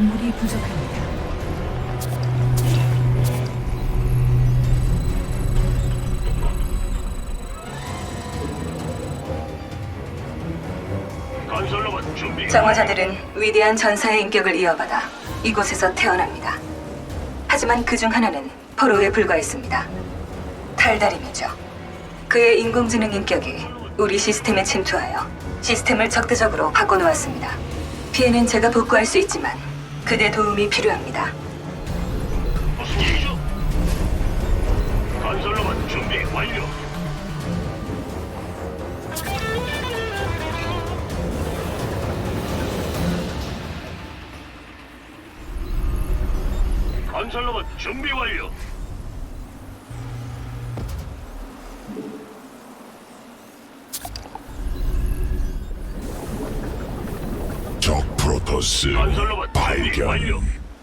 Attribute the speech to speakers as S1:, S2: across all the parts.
S1: 광물이 부족합니다.
S2: 건설로봇 준비.
S3: 정화자들은 위대한 전사의 인격을 이어받아 이곳에서 태어납니다. 하지만 그 중 하나는 포로에 불과했습니다. 탈달인이죠. 그의 인공지능 인격이 우리 시스템에 침투하여 시스템을 적대적으로 바꿔놓았습니다. 피해는 제가 복구할 수 있지만 그대 도움이 필요합니다.
S2: 무슨 일이죠? 건설로봇 준비 완료. 건설로봇 준비 완료.
S4: 적 프로토스
S2: 건설로봇 준비
S4: 발견.
S2: 완료.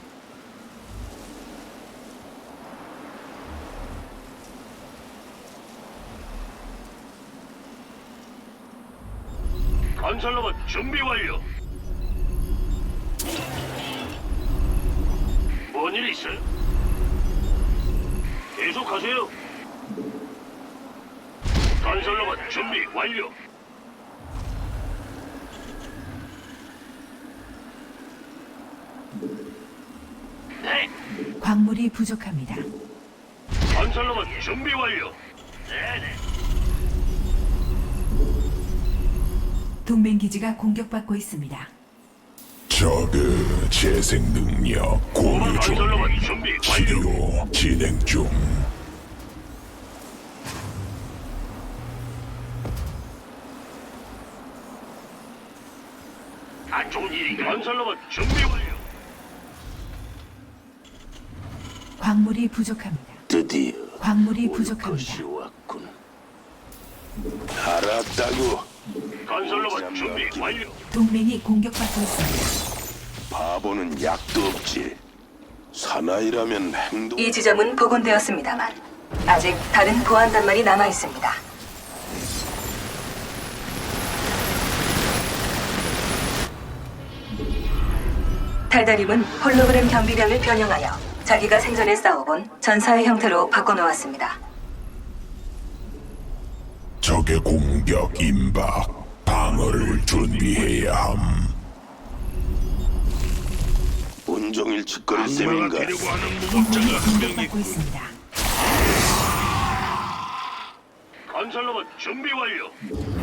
S2: 건설로봇 준비 완료. 뭔 일 있어요? 계속하세요. 건설로봇 준비 완료. 네.
S1: 광물이 부족합니다.
S2: 건설로봇 준비 완료. 네네.
S1: 동맹 기지가 공격받고 있습니다.
S4: 저그 재생 능력 공유 중.
S2: 건설로봇 준비 완료.
S4: 치료 진행 중.
S2: 안 좋은 일인가? 건설로봇 준비 완료.
S1: 광물이 부족합니다.
S5: 드디어
S1: 광물이
S5: 올
S1: 부족합니다.
S5: 것이 왔군. 알았다고.
S2: 건설로봇 준비 완료.
S1: 동맹이 공격받고 있습니다.
S5: 바보는 약도 없지. 사나이라면 행동.
S3: 이 지점은 복원되었습니다만 아직 다른 보안 단말이 남아 있습니다. 달달임은 홀로그램 경비병을 변형하여 자기가 생전에 싸워본 전사의 형태로 바꿔놓았습니다.
S4: 적의 공격 임박. 방어를 준비해야 함.
S5: 온종일 짓거릴
S2: 악마가
S5: 셈인가?
S2: 되려고 하는
S1: 동맹이
S2: 무법자가 한 명이
S1: 공격받고 있습니다.
S2: 건설로봇 준비 완료.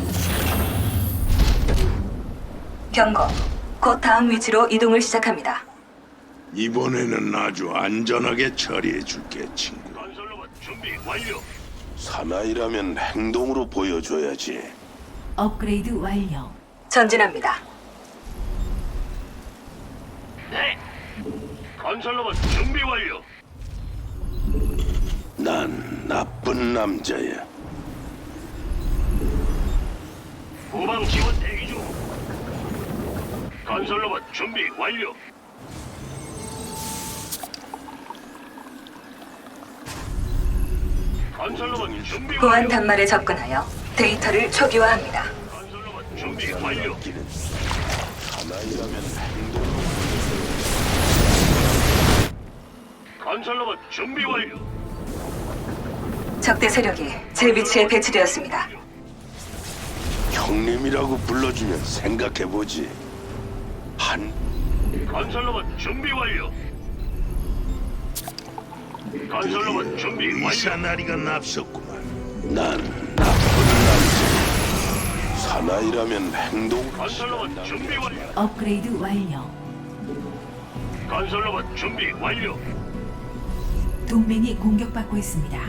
S3: 경고. 곧 다음 위치로 이동을 시작합니다.
S6: 이번에는 아주 안전하게 처리해 줄게, 친구.
S2: 건설로봇 준비 완료.
S5: 사나이라면 행동으로 보여줘야지.
S1: 업그레이드 완료.
S3: 전진합니다.
S2: 네. 건설로봇 준비 완료.
S5: 난 나쁜 남자야.
S2: 후방 지원 대기 중. 건설로봇 준비 완료. 건설로봇 준비
S3: 보안
S2: 완료.
S3: 단말에 접근하여 데이터를 초기화합니다.
S2: 건설로봇 준비 완료.
S5: 길은 사나이라면 행동.
S2: 건설로봇 준비 완료.
S3: 적대 세력이 제 위치에 배치되었습니다.
S5: 형님이라고 불러주면 생각해보지. 한
S2: 건설로봇 준비 완료. 건설로봇 준비 완료.
S6: 이사나리가 납셨구만.
S5: 난 나쁜 남자. 사나이라면 행동.
S2: 건설로봇 준비 완료.
S1: 업그레이드 완료.
S2: 건설로봇 준비 완료.
S1: 동맹이 공격받고 있습니다.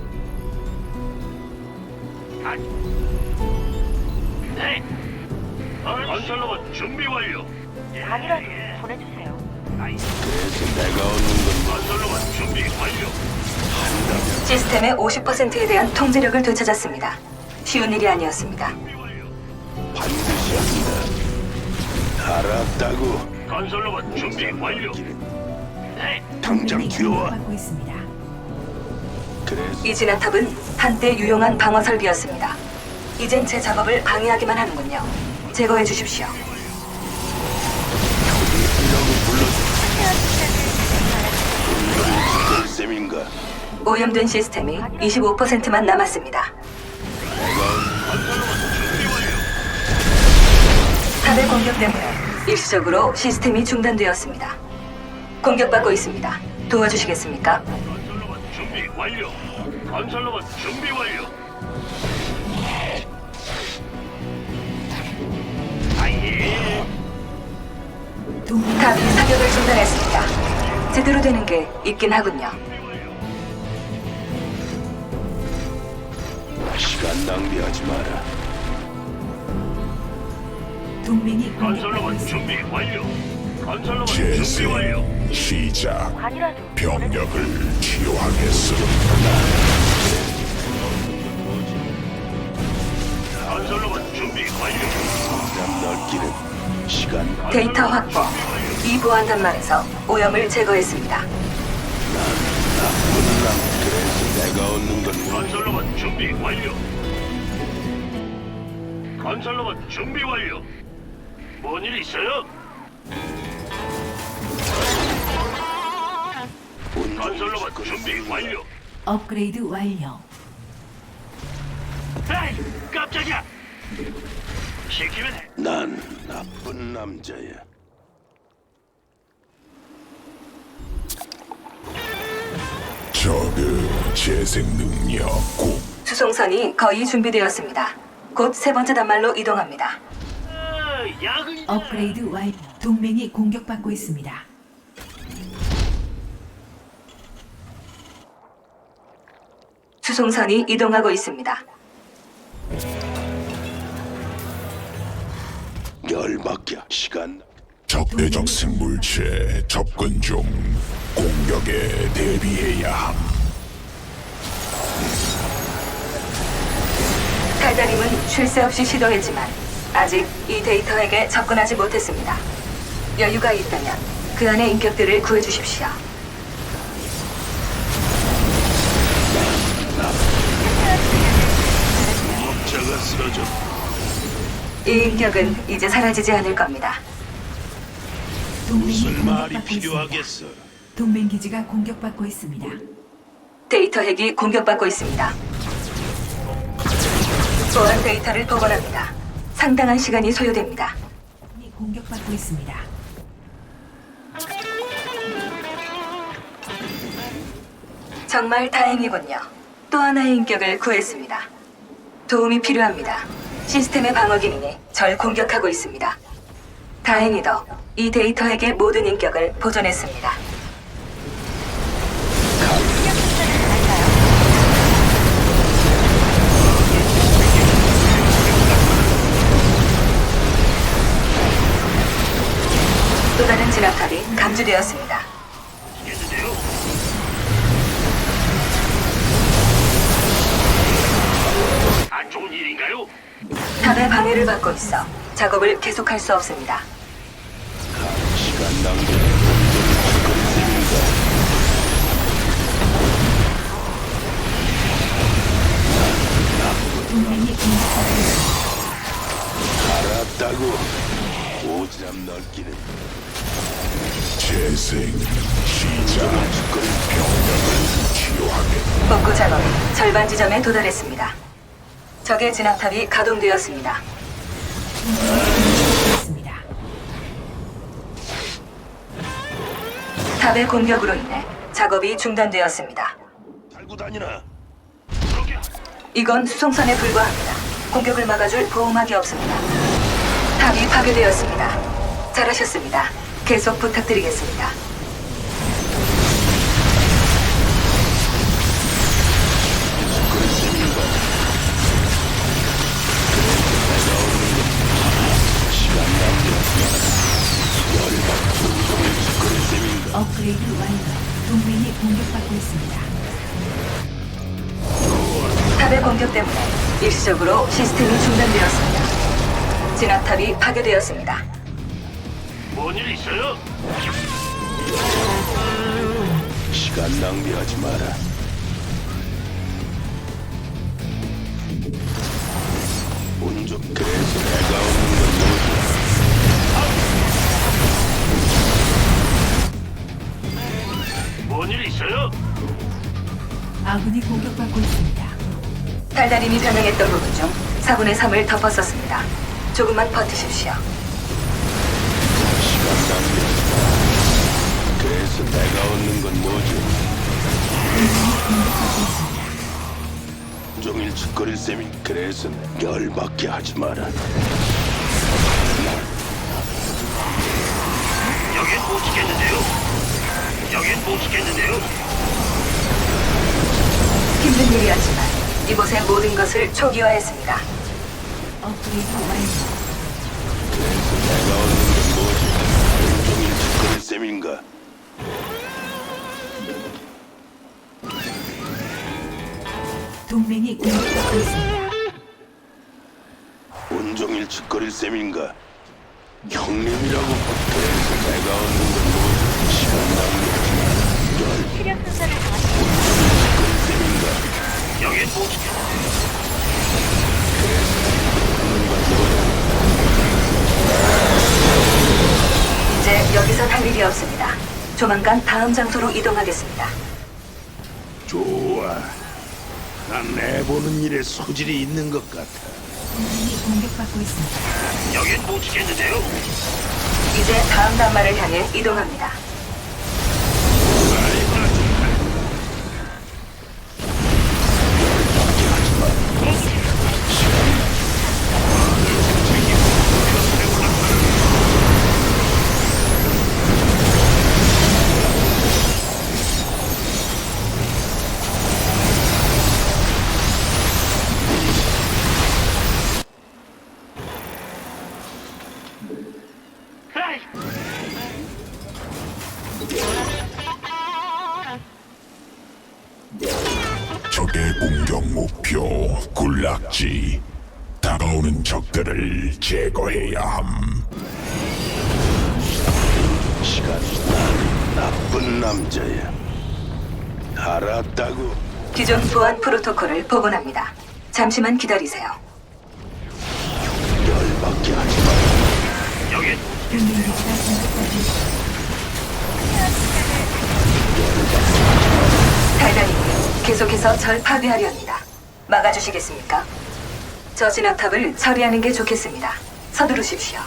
S2: 네. 건설로봇 준비 완료.
S7: 단이라도 보내주세요.
S5: 그래서 내가 얻는 건
S2: 건설로봇 준비 완료.
S3: 시스템의 50%에 대한 통제력을 되찾았습니다. 쉬운 일이 아니었습니다.
S2: 준비 완료.
S5: 반드시 한다. 알았다고.
S2: 건설로봇 준비 완료. 네.
S5: 당장
S1: 동맹이
S5: 튀어와.
S1: 공격받고 있습니다.
S5: 그래서
S3: 이 진압탑은 한때 유용한 방어 설비였습니다. 이젠 제 작업을 방해하기만 하는군요. 제거해 주십시오.
S5: 형님이라고 불러줘.
S3: 오염된 시스템이 25%만 남았습니다. 탑의 공격 때문에 일시적으로 시스템이 중단되었습니다. 공격받고 있습니다. 도와주시겠습니까?
S2: 건설로봇 준비 완료. 건설로봇 준비 완료. 아예.
S1: 동맹이
S3: 탑이 사격을 중단했습니다. 제대로 되는 게 있긴 하군요.
S5: 시간 낭비하지 마라.
S1: 동맹이 공격받고
S2: 건설로봇
S1: 있습니다.
S2: 준비 완료. 건설로봇 준비 완료.
S4: 재생 시작.
S7: 아니라도
S4: 병력을 치유하겠소.
S2: 건설로봇 준비 완료.
S5: 오지랖 넓기는 시간
S3: 데이터 확보. 이 보안 단말에서 오염을 제거했습니다.
S5: 나쁜 남. 그래서 내가 얻는 건 뭐?
S2: 건설로봇 준비 완료. 건설로봇 준비 완료. 뭔 일 있어요? 건설로봇 준비 완료.
S1: 업그레이드 완료.
S2: 에이, 깜짝이야. 시키면 해.
S5: 난 나쁜 남자야.
S4: 저그 재생 능력 고
S3: 수송선이 거의 준비되었습니다. 곧 세 번째 단말로 이동합니다.
S2: 아, 야근이다.
S1: 업그레이드 완료. 동맹이 공격받고 있습니다.
S3: 수송선이 이동하고 있습니다.
S5: 열받게 시간.
S4: 적대적 생물체 접근 중. 공격에 대비해야 함.
S3: 달달임은 쉴 새 없이 시도했지만 아직 이 데이터에게 접근하지 못했습니다. 여유가 있다면 그 안의 인격들을 구해주십시오.
S6: 업자가 쓰러져.
S3: 이 인격은 이제 사라지지 않을 겁니다.
S1: 동맹이
S6: 무슨 말이
S1: 공격받고 있습니다.
S6: 필요하겠어?
S1: 동맹 기지가 공격받고 있습니다.
S3: 데이터 핵이 공격받고 있습니다. 보안 데이터를 복원합니다. 상당한 시간이 소요됩니다.
S1: 동맹이 공격받고 있습니다.
S3: 정말 다행이군요. 또 하나의 인격을 구했습니다. 도움이 필요합니다. 시스템의 방어 기능이 절 공격하고 있습니다. 다행히도 이 데이터 핵의 모든 인격을 보존했습니다. 또 다른 진압탑이 감지되었습니다.
S2: 시겠는데요? 안 좋은 일인가요?
S3: 탑의 방해를 받고 있어 작업을 계속할 수 없습니다.
S5: 시간 낭비.
S1: 동맹이 공격받고 있습니다.
S5: 알았다고. 오지랖 넓기는
S4: 재생 시작. 병력을 치유하겠소.
S3: 복구 작업이 절반 지점에 도달했습니다. 적의 진압탑이 가동되었습니다.
S1: 있습니다.
S3: 탑의 공격으로 인해 작업이 중단되었습니다.
S5: 달고 다니나.
S2: 그렇게
S3: 이건 수송선에 불과합니다. 공격을 막아줄 보호막이 없습니다. 탑이 파괴되었습니다. 잘하셨습니다. 계속 부탁드리겠습니다.
S1: 업그레이드 완료. 동맹이 공격받고 있습니다.
S3: 탑의 공격 때문에 일시적으로 시스템이 중단되었습니다. 진압탑이 파괴되었습니다.
S2: 뭔 일 있어요?
S5: 시간 낭비하지 마라. 운좀 그래서 내가 얻는 건 뭐지?
S2: 뭔 일 있어요?
S3: 달달임이 변형했던 부분 중 4분의 3을 덮었었습니다. 조금만 버티십시오.
S5: 시간 낭비하지 마. 그래서 내가 얻는 건 뭐지? 종일 짓거릴 셈이 그래서 열받게 하지 마라.
S2: 여긴 못 지켰는데요. 여긴 못 지켰는데요.
S3: 힘든 일이었지만 이곳의 모든 것을 초기화했습니다.
S1: 업그레이드 완료.
S5: 그래서 내가 얻는 건 뭐지? 종일 짓거릴 셈인가?
S1: 동맹이 공격받고 있습니다.
S5: 온종일 짓거릴 셈인가? 형님이라고 그래서 내가 얻는 건 뭐지? 시간 낭비하지 마라.
S7: 시력 순서를 정하시고
S5: 짓거릴 셈인가?
S2: 여긴 못 지켰는데요.
S3: 이제 여기선 할 일이 없습니다. 조만간 다음 장소로 이동하겠습니다.
S6: 좋아. 난 내보는 일에 소질이 있는 것 같아.
S1: 동맹이 공격받고 있습니다.
S2: 여긴 못 지켰는데요.
S3: 이제 다음 단말을 향해 이동합니다.
S2: 에이,
S4: 적의 공격 목표 군락지. 다가오는 적들을 제거해야 함.
S5: 시간 난 나쁜 남자야. 알았다고.
S3: 기존 보안 프로토콜을 복원합니다. 잠시만 기다리세요.
S5: 열받게 하지 마.
S2: 여긴
S1: 동맹 기지가 공격받고 있습니다.
S3: 달달님이 계속해서 절 파괴하려 합니다. 막아주시겠습니까? 저 진압탑을 처리하는 게 좋겠습니다. 서두르십시오.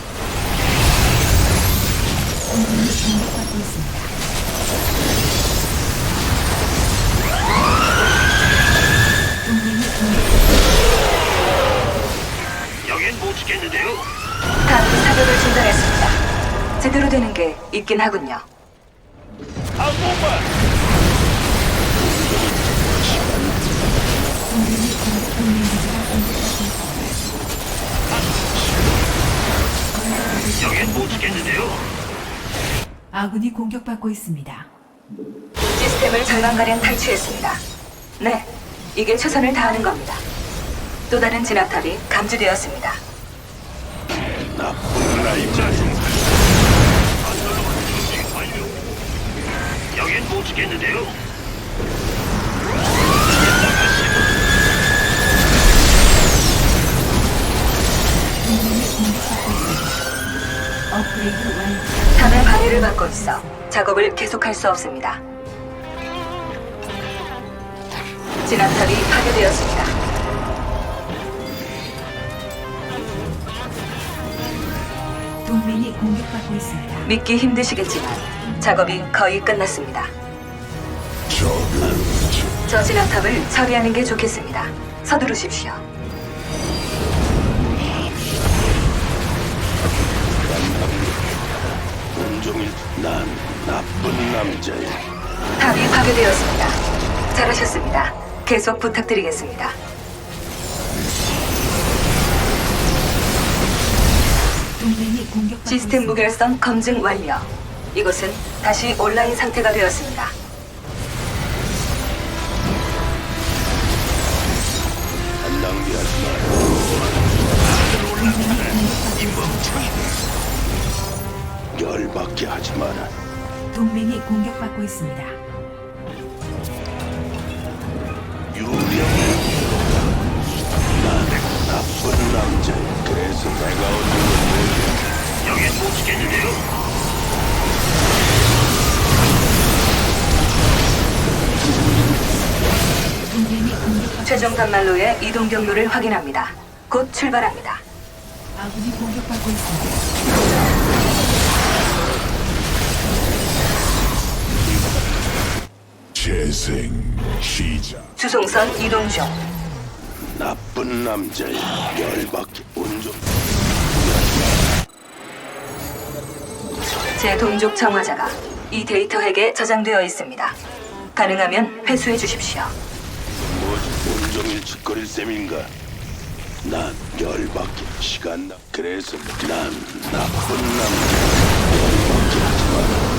S1: 동맹이 공격받고 있습니다. 동맹이 공격받고
S2: 여긴 못 지켰는데요.
S3: 다음 사격을 중단했습니다. 제대로 되는 게 있긴 하군요.
S1: 동맹 기지가 공격받고 있습니다.
S2: 여긴 못 지켰는데요.
S1: 아군이 공격받고 있습니다.
S3: 시스템을 절반가량 탈취했습니다. 네, 이게 최선을 다하는 겁니다. 또 다른 진압탑이 감지되었습니다.
S5: 나쁜 남자야.
S2: 여긴 못 지켰는데요.
S1: 동맹이 공격받고 있습니다. 업그레이드 완료.
S3: 탑의 방해를 받고 있어 작업을 계속할 수 없습니다. 진압탑이 파괴되었습니다.
S1: 동맹이 공격받고 있습니다.
S3: 믿기 힘드시겠지만 작업이 거의 끝났습니다.
S4: 적은
S3: 저 진압탑을 처리하는 게 좋겠습니다. 서두르십시오.
S5: 온종일 난 나쁜 남자야.
S3: 탑이 파괴되었습니다. 잘하셨습니다. 계속 부탁드리겠습니다.
S1: 동맹이 공격받고
S3: 시스템
S1: 있습니다.
S3: 무결성 검증 완료. 이곳은 다시 온라인 상태가 되었습니다.
S5: 안 낭비하지 마. 열받게 하지 마라.
S1: 동맹이 공격받고 있습니다.
S5: 유령이 난 나쁜 남자야. 그래서 내가 얻는 건 뭐지?
S2: 여긴 못 지켰는데요.
S1: 동맹이 공격받고
S3: 최종 단말로의 이동 경로를 확인합니다. 곧 출발합니다.
S1: 아군이 공격받고 있습니다.
S4: 재생 시작.
S3: 주송선 이동 중.
S5: 나쁜 남자야. 열받게 온종.
S3: 제 동족 정화자가 이 데이터 핵에 저장되어 있습니다. 가능하면 회수해 주십시오.
S5: 뭐지? 온종일 짓거릴 셈인가? 난 열받게 시간 나. 그래서 난 나쁜 남자. 열받게 하지 마라.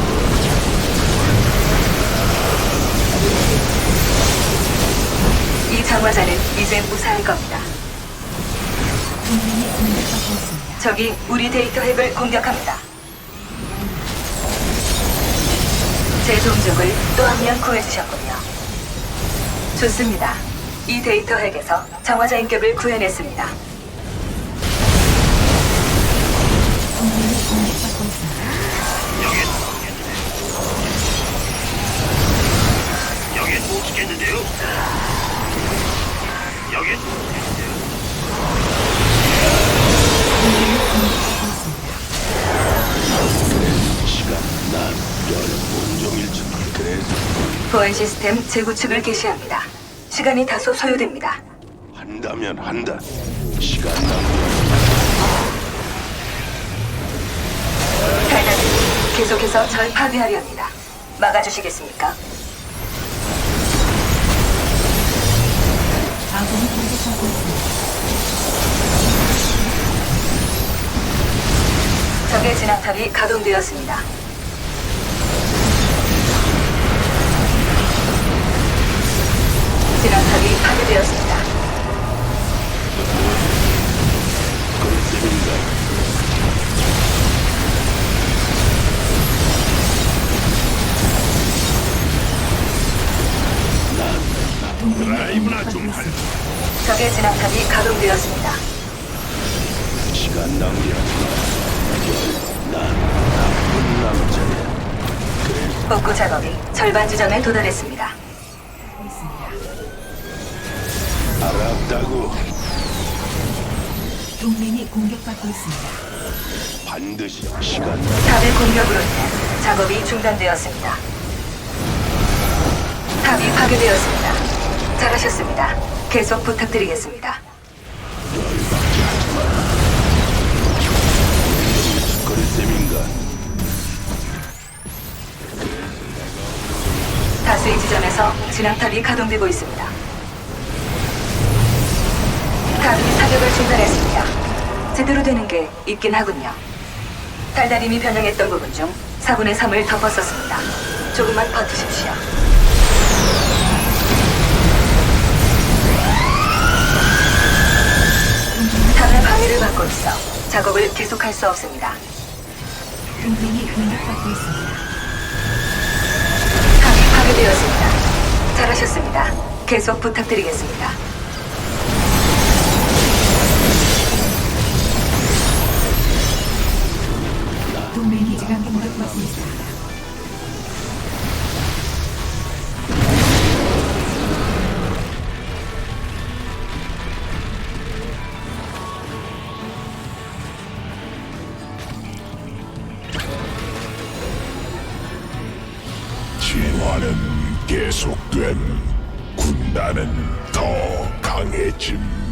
S3: 이 정화자는 이제 무사할 겁니다.
S1: 동맹이 공격받고 있습니다.
S3: 적이 우리 데이터 핵을 공격합니다. 제 동족을 또 한 명 구해주셨군요. 좋습니다. 이 데이터 핵에서 정화자 인격을 구해냈습니다.
S1: 동맹이 공격받고 있습니다.
S2: 여긴 못 지켰는데요. 여긴 못 지켰는데요.
S1: 동맹이 공격받고 있습니다.
S5: 시간 난 온종일 짓. 그래서
S3: 보안 시스템 재구축을 개시합니다. 시간이 다소 소요됩니다.
S5: 한다면 한다. 시간 낭비.
S3: 달달이 계속해서 절 파괴하려 합니다. 막아주시겠습니까?
S1: 아군이 공격받고 있습니다.
S3: 적의 진압탑이 가동되었습니다. 진압탑이 파괴되었습니다.
S5: 그럴 셈인가?
S2: 드라이브나 좀 할.
S3: 적의 진압탑이 가동되었습니다.
S5: 시간 낭비하지 마. 난 나쁜 남자야. 그래
S3: 복구 작업이 절반 지점에 도달했습니다.
S1: 하고 있습니다.
S5: 알았다고.
S1: 동맹이 공격받고 있습니다.
S5: 반드시 시간 낭비.
S3: 탑의 공격으로 인해 작업이 중단되었습니다. 탑이 파괴되었습니다. 잘하셨습니다. 계속 부탁드리겠습니다.
S5: 짓거릴 셈인가?
S3: 다수의 지점에서 진압탑이 가동되고 있습니다. 탑이 사격을 중단했습니다. 제대로 되는 게 있긴 하군요. 달달임이 변형했던 부분 중 4분의 3을 덮었었습니다. 조금만 버티십시오. 탑의 방해를 받고 있어 작업을 계속할 수 없습니다.
S1: 동맹이 공격받고 있습니다.
S3: 탑이 파괴되었습니다. 잘하셨습니다. 계속 부탁드리겠습니다.
S1: 동맹이 지금 공격받고 있습니다.
S4: 진화는 계속됨. 군단은 더 강해짐.